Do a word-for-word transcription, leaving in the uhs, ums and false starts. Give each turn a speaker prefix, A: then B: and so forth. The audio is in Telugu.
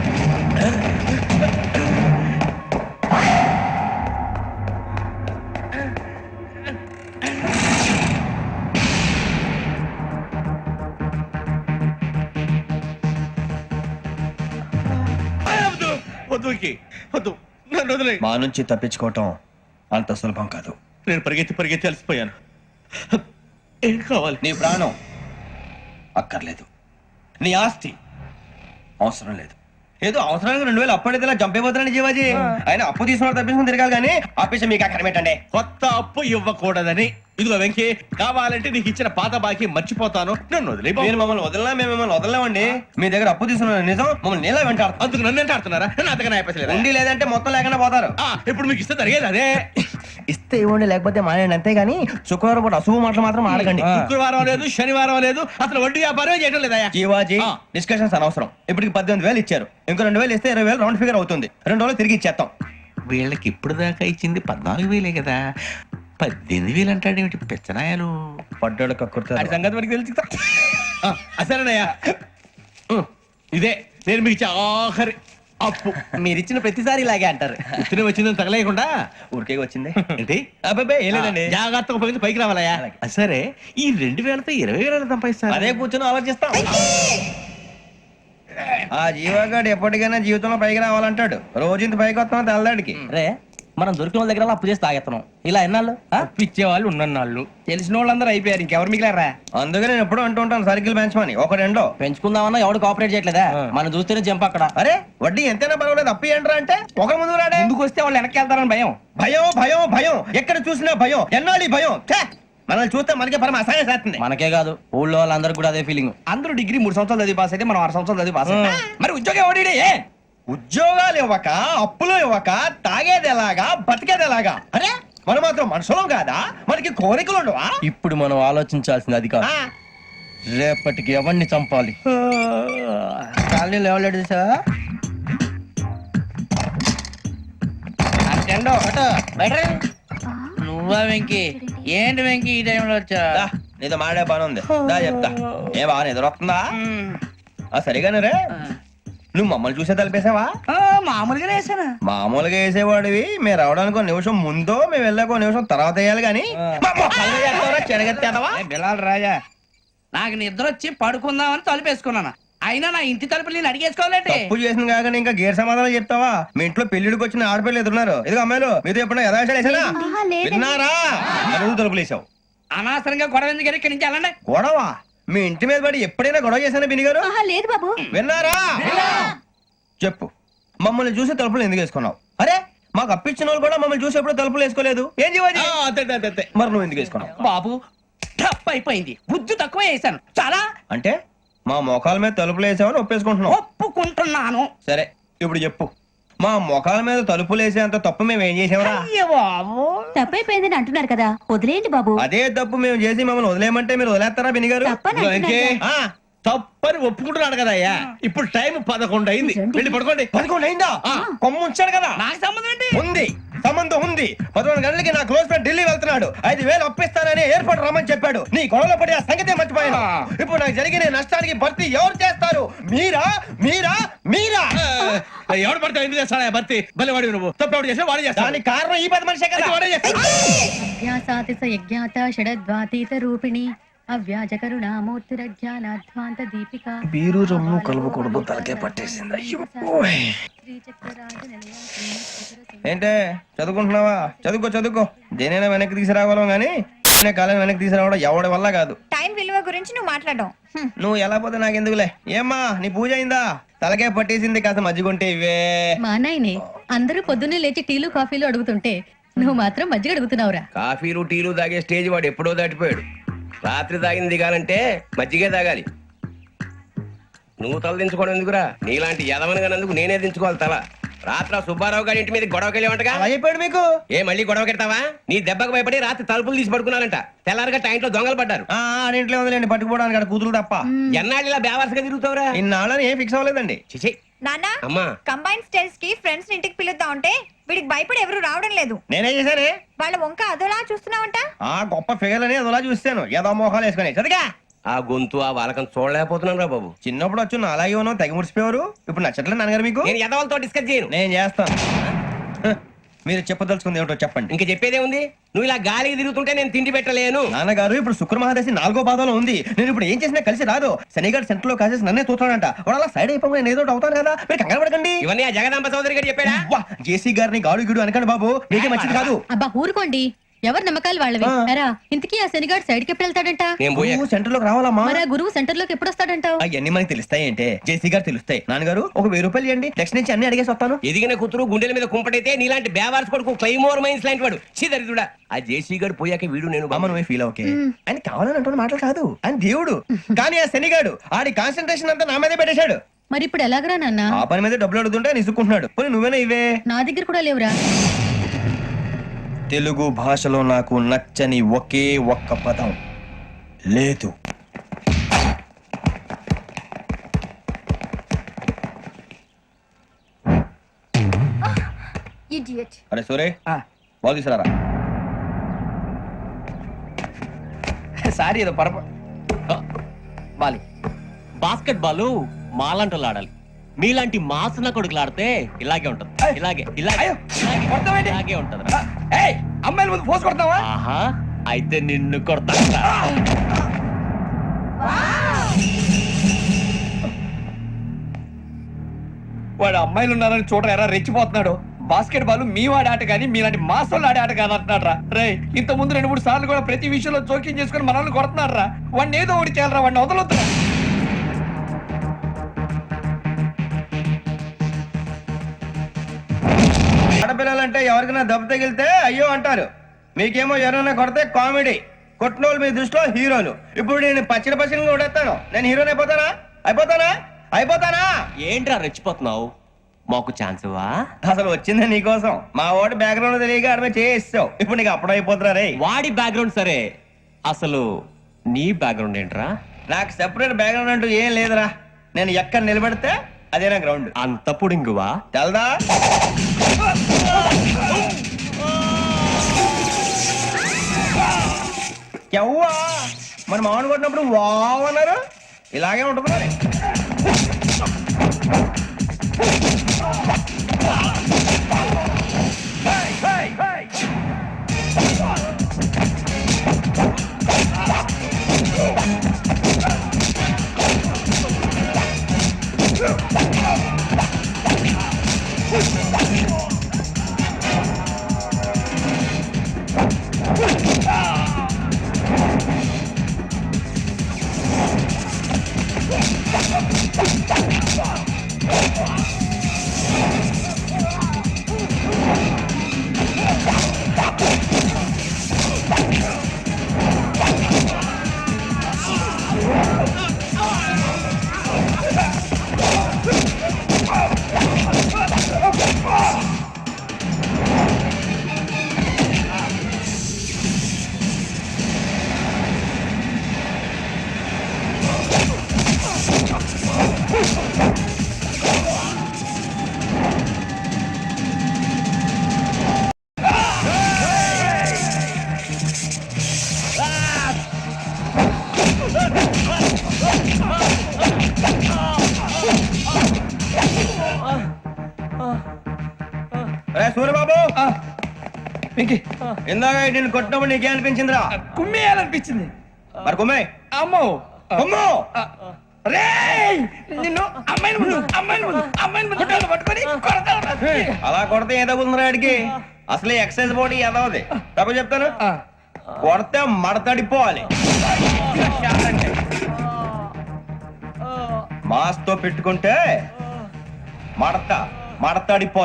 A: మా నుంచి తప్పించుకోవటం అంత సులభం కాదు.
B: నేను పరిగెత్తి పరిగెత్తి అలసిపోయాను. ఏం కావాలి?
A: నీ ప్రాణం అక్కర్లేదు, నీ ఆస్తి అవసరం లేదు. ఏదో అవసరానికి రెండు వేలు అప్పటి చంపేపోతున్నాను జీవాజీ. ఆయన అప్పు తీసుకున్న తప్పించుకుని తిరగాలి కానీ ఆపేసి మీకు అక్కడ పెట్టండి.
B: కొత్త అప్పు ఇవ్వకూడదని. ఇదిగో వెంకీ, కావాలంటే నీకు ఇచ్చిన పాత బాకీ మర్చిపోతాను, నన్ను వదిలే.
A: మీరు మమ్మల్ని వదలనా? మేము మిమ్మల్ని వదలలేమండి. మీ దగ్గర అప్పు తీసుకున్న నిజం మమ్మల్ని నీలా వెంటాడు.
B: అందుకు నన్ను ఎంత ఆడుతున్నారా? నన్ను అంతగా అయిపోలేదు.
A: ఉండి లేదంటే మొత్తం లేకుండా పోతారు.
B: ఇప్పుడు మీకు ఇస్తే జరిగేది అదే.
A: ఇస్తే ఇవ్వండి, లేకపోతే మానేయండి, అంతేగాని శుక్రవారం పూట అశుభ మాటలు మాత్రం ఆడకండి.
B: శుక్రవారం లేదు, శనివారం లేదు, అసలు వడ్డీ వ్యాపారం చేయడం లేదా?
A: జీవాజీ, డిస్కషన్స్ అనవసరం. ఇప్పటికి పద్దెనిమిది వేలు ఇచ్చారు, ఇంకో రెండు వేలు ఇస్తే ఇరవై వేలు రౌండ్ ఫిగర్ అవుతుంది. రెండు రోజులు తిరిగి ఇచ్చేస్తాం.
B: వీళ్ళకి ఇప్పుడు దాకా ఇచ్చింది పద్నాలుగు వేలే కదా, పద్దెనిమిది వేలు అంటాడేమిటి పెచ్చనాయాలు?
A: పడ్డాడు కక్కుర్తాడు.
B: సంగతి వరకు తెలుసు. అసలేనయ్యా, ఇదే నేను మీకు ఇచ్చే ఆఖరి అప్పు.
A: మీరు ఇచ్చిన ప్రతిసారి ఇలాగే అంటారు.
B: ఇతనే వచ్చిందని తగలేయకుండా
A: ఊరికే వచ్చింది
B: ఏంటి?
A: అబ్బాయి ఏం లేదండి,
B: జాగ్రత్తగా ఉపయోగించి పైకి రావాలయ్యా. సరే, ఈ రెండు వేలతో ఇరవై వేల సంపాదిస్తారు.
A: అదే కూర్చొని ఆలోచిస్తాం. ఆ జీవగాడు ఎప్పటికైనా జీవితంలో పైకి రావాలంటాడు. రోజు ఇంత పైకి వస్తాం తెల్లడికి.
C: రే, మనం దొరికిన వాళ్ళ దగ్గర అప్పు చేసి తాగెత్తనం. ఇలా ఎన్నాళ్ళు
B: ఇచ్చే వాళ్ళు ఉన్నన్నాళ్ళు
C: తెలిసిన వాళ్ళందరూ అయిపోయారు, ఇంకెవరు మిగిలారా?
A: అందుకే నేను ఎప్పుడూ అంటూ ఉంటాను, సర్కిల్ బెంచ్ మని ఒక రెండో
C: పెంచుకుందామన్నా ఎవడు కోఆపరేట్ చేయట్లేదా? మనం చూస్తేనే జంప్ అక్కడ.
A: అరే వడ్డీ ఎంతైనా పర్వాలేదు, అప్పు ఏంట్రా అంటే ఒక ముందు రాడే.
C: ముందుకు వస్తే వాళ్ళు వెనక్కి వెళ్తారని భయం.
A: భయం భయం భయం, ఎక్కడ చూసినా భయం. ఎన్నాళ్ళు భయం? మనల్ని చూస్తే మనకే పరమ అసహాయం చేస్తుంది.
C: మనకే కాదు, ఊళ్ళో వాళ్ళందరూ కూడా అదే ఫీలింగ్. అందరూ డిగ్రీ మూడు సంవత్సరాలు చదివి పాస్ అయితే మనం ఆరు సంవత్సరాలు చదివి పాస్. మరి ఉద్యోగం ఎవడి?
A: ఉద్యోగాలు ఇవ్వక, అప్పులు ఇవ్వక, తాగేది ఎలాగా, బతికేది ఎలాగా? అరే మనం మాత్రం మనుషులం కాదా? మనకి కోరికలు ఉండవా?
C: ఇప్పుడు మనం ఆలోచించాల్సింది అది కాదు, రేపటికి ఎవరిని చంపాలి. కాలనీలో ఎవరు సార్?
D: నువ్వా వెంకీ? ఏంటి వెంకీ ఈ టైంలో వచ్చా?
A: నీతో మాడే పని ఉంది, దా చెప్తా. ఏ బాగా నిద్రొస్తుందా? సరిగానే రే, నువ్వు మమ్మల్ని చూసే తలిపేసావా?
D: మామూలుగా వేసానా?
A: మామూలుగా వేసేవాడివి. మేము రావడానికి ఒక నిమిషం ముందో, మేము వెళ్ళాక ఒక నిమిషం తర్వాత వేయాలి కానీ
D: బిలాల్ రాజా, నాకు నిద్ర వచ్చి పడుకుందామని తలుపేసుకున్నాను. అయినా నా ఇంటి తలుపులు నేను అడిగేసుకోవాలంటే
A: తప్పు చేసిన కాక ఇంకా గేర్ సమాధానం చెప్తావా? మీ ఇంట్లో పెళ్లిడికి వచ్చిన ఆడపిల్లలు ఎదురున్నారు. ఇదిగో అమ్మాయిలు, మీతో ఎప్పుడైనా యథాశాలు వేసానా? విన్నారా? తలుపులు వేసావు.
D: అనవసరంగా గొడవ ఎందుకు ఇక్కడి నుంచి వెళ్ళండి.
A: గొడవ? మీ ఇంటి మీద పడి ఎప్పుడైనా గొడవ చేశానా బిని గారు?
E: లేదు బాబు.
A: విన్నారా? చెప్పు, మమ్మల్ని చూసి తలుపులు ఎందుకు వేసుకున్నావు? అరే మాకు అప్పించిన వాళ్ళు కూడా మమ్మల్ని చూసి ఎప్పుడు తలుపులు వేసుకోలేదు. ఏం చేయాలి? మరి నువ్వు ఎందుకు వేసుకున్నావు?
D: బాబు టప్ అయిపోయింది, బుద్ధి తక్కువ వేసాను చాలా.
A: అంటే మా మొఖాల మీద తలుపులు వేసామని ఒప్పేసుకుంటున్నావు?
D: ఒప్పుకుంటున్నాను.
A: సరే ఇప్పుడు చెప్పు, మా మొఖాల మీద తలుపులు వేసేంత తప్పు మేము ఏం చేసామరా?
E: తప్పైపోయిందని అంటున్నారు కదా, వదిలేయండి బాబు.
A: అదే తప్పు మేము చేసి మమ్మల్ని వదిలేయమంటే మీరు వదిలేస్తారా బిని గారు?
B: తప్పని ఒప్పుకుంటున్నాడు కదా అయ్యా. ఇప్పుడు టైం పదకొండు అయింది, వెళ్ళి పడుకోండి.
A: పదకొండు అయిందా? కొమ్ము ఉంచాడు కదా.
D: నాకు సంబంధం ఏంటి?
A: ఉంది, సంబంధం ఉంది. పదకొండు గంటలకి నా క్లోజ్ ఫ్రెండ్ ఢిల్లీ వెళ్తున్నాడు. ఐదు వేలు అప్పిస్తానని ఎయిర్పోర్ట్ రమ్మని చెప్పాడు. నీ గొడవలో పడి ఆ సంగతే మర్చిపోయాను. ఇప్పుడు నాకు జరిగిన నష్టానికి భర్తీ ఎవరు చేస్తారు? మీరా మీరా మీరా?
B: ఎవడు పడితే ఎందుకు చేస్తాడా భర్తీ? భలే వాడి నువ్వు. తప్పు ఎవడు చేసా వాడే చేస్తా.
A: దానికి కారణం ఈ పది మనిషే కదా. వాడే చేస్తా.
E: రూపిణి అవ్యాజ కరుణామూర్తిరజ్ఞానాధ్వాంత దీపిక.
A: బీరు రమ్ము కలుపుకూడదు, తలకే పట్టేసింది. ఏంటే చదువుకుంటున్నావా? చదువుకో చదువుకో. దేనైనా వెనక్కి తీసుకురావాలం గానీ కాలం వెనక్కి తీసుకురావడం ఎవడి వల్ల కాదు.
E: టైం విలువ గురించి నువ్వు మాట్లాడడం.
A: నువ్వు ఎలా పోతే నాకెందుకులే. ఏమ్మా నీ పూజ అయిందా? తలకే పట్టేసింది, కాస్త మజ్జిగుంటే ఇవే.
E: మా నాయనే అందరూ పొద్దున్నే లేచి టీలు కాఫీలు అడుగుతుంటే నువ్వు మాత్రం మజ్జిగ అడుగుతున్నావురా.
F: కాఫీలు టీలు తాగే స్టేజ్ వాడు ఎప్పుడో దాటిపోయాడు. రాత్రి తాగింది దిగాలంటే మజ్జిగే తాగాలి. నువ్వు తల దించుకోవడం ఎందుకురా? నీలాంటి యదవనగానందుకు నేనే దించుకోవాలి తల. రాత్రి సుబ్బారావు గారి ఇంటి మీద గొడవకి వెళ్ళేవంటగా.
A: అయిపోయాడు మీకు.
F: ఏ మళ్ళీ గొడవ కెడతావా? నీ దెబ్బకు భయపడి రాత్రి తలుపులు తీసి పడుకున్నారంట. తెల్లారగా టైంట్లో దొంగలు పడ్డారు.
A: ఇంట్లో ఉందిలేండి, పట్టుకుపోవడానికి అక్కడ కూతురు తప్ప.
F: ఎన్నాళ్ళు ఇలా బేవర్స్గా తిరుగుతావురా?
A: ఇన్నాళ్ళని ఏం ఫిక్స్ అవ్వలేదండి.
F: చిచి
E: నాన్న,
F: అమ్మా,
E: కంబైన్ స్టైల్స్ కి ఫ్రెండ్స్ ఇంటికి పిలుద్దాం అంటే వీడికి భయపడి ఎవరు రావడం లేదు.
A: నేనే చేశానే.
E: వాళ్ళ వంక అదోలా చూస్తున్నావంట.
A: ఆ గొప్ప ఫిగర్ అని అదోలా చూస్తాను. ఏదో మోహాలు వేసుకుని చదిగా
F: ఆ గొంతు ఆ వాలకం చూడలేకపోతున్నాను రా బాబు.
A: చిన్నప్పుడు వచ్చి నా అలాగే ఉన్నావు తెగ ముడిచిపోయారు ఇప్పుడు నచ్చట్లేదు నాన్నగారు మీకు
F: నేను ఎదవలతో డిస్కస్ చేయను.
A: నేను చేస్తాను హ, మీరు చెప్పదలుచుకుంది ఏమిటో చెప్పండి.
F: ఇంక చెప్పేదే ఉంది. నువ్వు ఇలా గాలికి తిరుగుతుంటే నేను తిండి పెట్టలేను.
A: నాన్నగారు ఇప్పుడు శుక్ర మహాదశి నాలుగో పాదంలో ఉంది. నేను ఇప్పుడు ఏం చేసినా కలిసి రాదు. శనిగారు సెంటర్ లో కాసేసి నన్నే చూస్తాడంట. వాడు అలా సైడ్ అయిపోయి నేను ఏదో ఒకటి అవుతాను కదా, మీరు కంగారు పడకండి.
F: ఇవన్నీ ఆ జగదాంబ చౌదరి గారు చెప్పాడా?
A: వా, జేసీ గారిని గాడు గిడు అనకండి బాబు, మీకే మంచిది కాదు.
E: అబ్బా ఊరుకోండి, ఎవరి నమ్మకాలు వాళ్ళవి.
A: ఆ.
E: ఎరా ఇంతకీ ఆ శనిగాడు సైడ్కి ఎప్పుడు వెళ్తాడంట?
F: నేను పోయా.
A: నువ్వు సెంటర్ లోకి రావాలమ్మా.
E: మరి ఆ గురువు సెంటర్ లోకి ఎప్పుడు వస్తాడంటావు?
A: అవన్నీ మనకి తెలుస్తాయి అంటే జేసీ గారు తెలుస్తాయి. నాన్నగారు ఒక వెయ్యి రూపాయలు ఇవ్వండి, నెక్స్ట్ నుంచి అన్ని అడిగేసి వస్తాను.
F: ఎదిగిన కూతురు గుండెల మీద కుంపటైతే నీలాంటి బేవార్స్ కొడుకు క్లైమోర్ మైన్స్ లాంటి వాడు చీదరిదుడా. ఆ జేసీ గారు పోయాక వీడు నేను
A: అమ్మ నువ్వే ఫీల్ ఓకే. ఆయన కావాలని అంటున్న మాటలు కాదు, ఆయన దేవుడు. కానీ ఆ శనిగాడు ఆడి కాన్సన్ట్రేషన్ అంతా నా మీదే పెట్టేశాడు.
E: మరి ఇప్పుడు ఎలాగరా నాన్న?
A: ఆ పని మీద డబ్బులు అడుగుతుంటే నిసుకుంటున్నాడు. పోనీ నువ్వేనా ఇవే?
E: నా దగ్గర కూడా లేవురా.
A: తెలుగు భాషలో నాకు నచ్చని ఒకే ఒక్క పదం లేదు. అరే సూరే బాగు తీసుకురారా.
D: సారీ ఏదో పరప బాలి.
B: బాస్కెట్ బాల్ మాలాంటి ఆడాలి. మీలాంటి మాసన కొడుకులు ఆడితే ఇలాగే ఉంటది. ఇలాగే ఇలాగే ఇలాగే, ఇలాగే ఉంటది.
D: అమ్మాయిల ముందు ఫోర్స్ కొడతావా?
B: ఆహా, అయితే నిన్ను కొడతా.
D: వాడు అమ్మాయిలు ఉన్నారని చూడరా ఎరా రెచ్చిపోతున్నాడు. బాస్కెట్ బాల్ మీ వాడి ఆట కానీ మీలాంటి మాసోళ్ళు ఆడే ఆట కాదు అంటున్నాడు రా. రే ఇంత ముందు రెండు మూడు సార్లు కూడా ప్రతి విషయంలో జోక్యం చేసుకుని మనల్ని కొడుతున్నాడు రా. వాడిని ఏదో ఒకటి చేయాలరా, వాడిని వదలొద్దు.
A: ఆడపిల్లలంటే ఎవరికైనా దెబ్బ తగిలితే అయ్యో అంటారు, మీకేమో ఎవరైనా కొడితే కామెడీ. కొట్టినోళ్ళు మీ దృష్టిలో హీరోలు. ఇప్పుడు నేను పచ్చడి పచ్చడిని కొడేస్తాను, నేను హీరోని అయిపోతానా? అయిపోతానా? అయిపోతానా?
B: ఏంట్రా రెచ్చిపోతున్నావు? మాకు ఛాన్స్ ఇవ్వా?
A: అసలు వచ్చింది నీకోసం. మా ఓడి బ్యాక్గ్రౌండ్ తెలియక ఆడమే చేస్తావు. ఇప్పుడు నీకు అప్పుడు అయిపోతున్నా రే.
B: వాడి బ్యాక్గ్రౌండ్ సరే, అసలు నీ బ్యాక్గ్రౌండ్ ఏంట్రా?
A: నాకు సెపరేట్ బ్యాక్గ్రౌండ్ అంటూ ఏం లేదురా. నేను ఎక్కడ నిలబడితే అదే నా గ్రౌండ్.
B: అంత పుడింగువా?
A: తెల్దా? ఎవ్వా మన మామిడి కొట్టినప్పుడు వావ్ అన్నారు, ఇలాగే ఉంటుంది మరి. సూర్యబాబు, ఇందాక నేను కొట్టినప్పుడు నీకే అనిపించిందిరా?
D: కుమ్మేయాలనిపించింది.
A: మరి కుమ్మే.
D: అమ్మో
A: కుమ్ము.
D: రేయ్ నిన్ను అమ్మాయిని ముందు అమ్మాయిని ముందు అమ్మాయిని ముందు కొట్టాలి పట్టుకొని కొడతాను.
A: అలా కొడితే ఏ తగ్గుతుందిరా ఆడికి? అసలే ఎక్సైజ్ బాడీ ఏదవది. తప్ప చెప్తాను, కొడితే మడతడిపోవాలి. మాస్తో పెట్టుకుంటే మడత మడతడిపో